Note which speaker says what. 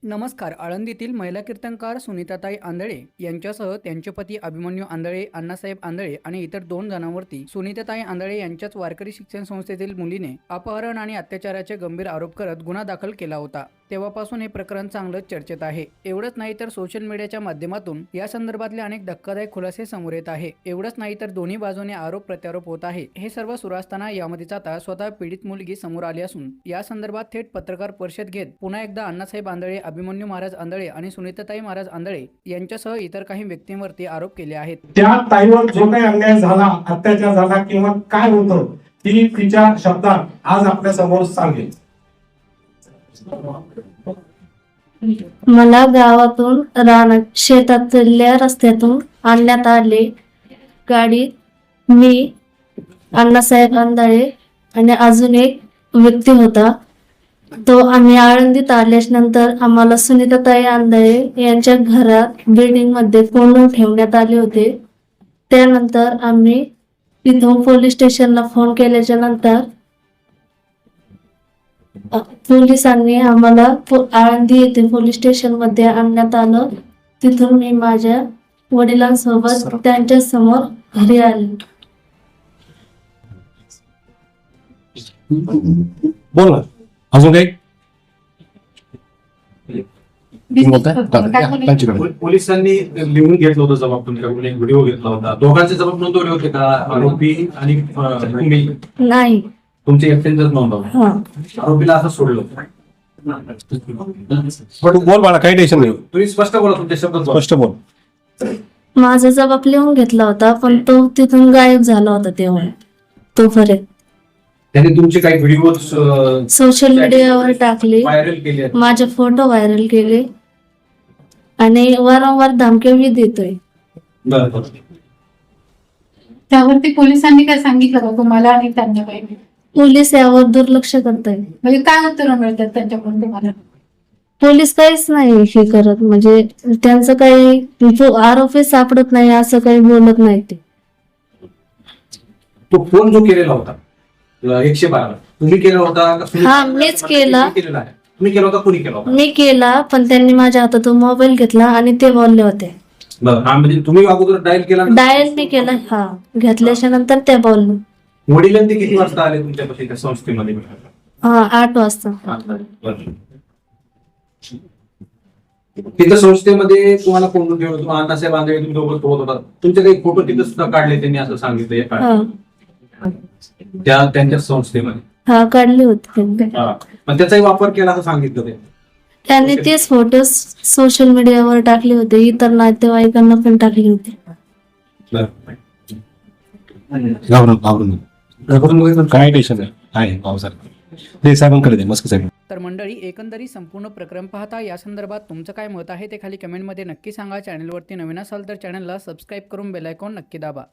Speaker 1: नमस्कार. आळंदीतील महिला कीर्तनकार सुनीताताई आंधळे यांच्यासह त्यांचे पती अभिमन्यू आंधळे, अण्णासाहेब आंधळे आणि इतर 2 जणांवरती सुनीताताई आंधळे यांच्याच वारकरी शिक्षण संस्थेतील मुलीने अपहरण आणि अत्याचाराचे गंभीर आरोप करत गुन्हा दाखल केला होता. तेव्हापासून हे प्रकरण चांगलंच चर्चेत आहे. एवढंच नाही तर सोशल मीडियाच्या माध्यमातून या संदर्भातले अनेक धक्कादायक खुलासे समोर येत आहे. एवढंच नाही तर दोन्ही बाजूने आरोप प्रत्यारोप होत आहे. हे सर्व सुरू असताना यामध्येच आता स्वतः पीडित मुलगी समोर आली असून या संदर्भात थेट पत्रकार परिषद घेत पुन्हा एकदा अण्णासाहेब आंधळे, अभिमन्यू महाराज आंधळे आणि सुनीताताई महाराज आंधळे यांच्यासह इतर काही व्यक्तींवरती आरोप केले आहेत.
Speaker 2: त्या ताईवर जो काही अन्याय झाला, अत्याचार झाला किंवा काय होतं ती तिच्या शब्दात आज आपल्या समोर सांगेल.
Speaker 3: मला गावातून रानात शेतातल्या रस्त्यातून आणण्यात आले. गाडीत मी, अण्णासाहेब आंधळे आणि अजून एक व्यक्ती होता. तो आम्ही आळंदीत आल्याच्या नंतर आम्हाला सुनीताताई आंधळे यांच्या घरात बिल्डिंग मध्ये कोंडून ठेवण्यात आले होते. त्यानंतर आम्ही तिथून पोलीस स्टेशनला फोन केल्याच्या नंतर पोलिसांनी आम्हाला आळंदी येथे पोलीस स्टेशन मध्ये आणण्यात आलं. तिथून मी माझ्या वडिलांसोबत त्यांच्या समोर घरी आले.
Speaker 2: बोल ना, अजून काही
Speaker 4: पोलिसांनी लिहून घेतलं होतं जबाब, तुमच्याकडून एक व्हिडिओ घेतला होता. दोघांचे जबाब नोंदवले होते का? आरोपी आणि तुम्ही?
Speaker 3: नाही,
Speaker 4: तुमचे एकट्यांचेच नोंदवलं. आरोपीला असं सोडलं.
Speaker 2: बोल बाळा, काही टेन्शन नाही.
Speaker 4: तुम्ही स्पष्ट बोला, तुमच्या शब्दात बोला.
Speaker 2: स्पष्ट बोल.
Speaker 3: माझा जबाब लिहून घेतला होता पण तो तिथून गायब झाला होता. तेव्हा तोपर्यंत
Speaker 4: त्यांनी तुमचे काही व्हिडिओ
Speaker 3: सोशल मीडियावर टाकले,
Speaker 4: व्हायरल केले आहेत.
Speaker 3: माझे फोटो व्हायरल केले आणि वारंवार धमक्या मी देतोय.
Speaker 4: बरं.
Speaker 5: त्यावरती पोलिसांनी काय सांगितलं का तुम्हाला आणि त्यांना काही?
Speaker 3: पोलीस यावर दुर्लक्ष करताय.
Speaker 5: म्हणजे काय उत्तर मिळतात त्यांच्याकडून तुम्हाला?
Speaker 3: पोलीस काहीच नाही हे करत, म्हणजे त्यांचं काही आरोपी सापडत नाही असं काही बोलत नाही ते.
Speaker 4: तो फोन जो केलेला होता 112 तुम्ही केला होता का?
Speaker 3: हा, मीच केला.
Speaker 4: तुम्ही केला होता? कोणी केला होता?
Speaker 3: मी केला, पण त्यांनी माझ्या हातातून मोबाईल घेतला आणि ते बोलले होते.
Speaker 4: बरं. हा, म्हणजे तुम्ही अगोदर डायल केला?
Speaker 3: डायल मी केला. हा, घेतल्याच्या नंतर ते बोलले.
Speaker 4: वडिलांनी किती वाजता आले तुमच्यापाशी त्या संस्थेमध्ये?
Speaker 3: 8 वाजता.
Speaker 4: बरं. तिथं संस्थेमध्ये तुम्हाला कोण ठेवलं? तुम्हाला अण्णासाहेब आंधळे तुम्ही दोघं सोबत होता. तुमचे काही फोटो तिथं सुद्धा काढले त्यांनी असं सांगितलं
Speaker 3: हा,
Speaker 4: त्यांच्या संस्थेमध्ये?
Speaker 3: हा, काढले होते त्यांनी.
Speaker 4: पण त्याचाही वापर केला असं सांगितलं ते.
Speaker 3: त्यांनी तेच फोटो सोशल मीडियावर टाकले होते, इतर नातेवाईकांना पण टाकले होते.
Speaker 2: काय टेन्शन आहे पावसाळ्यात ते साहेबांकडे दे, मस्क साहेब.
Speaker 1: तर मंडळी, एकंदरीत संपूर्ण प्रकरण पाहता या संदर्भात तुमचं काय मत आहे ते खाली कमेंटमध्ये नक्की सांगा. चॅनलवरती नवीन असाल तर चॅनलला सबस्क्राईब करून बेल आयकॉन नक्की दाबा.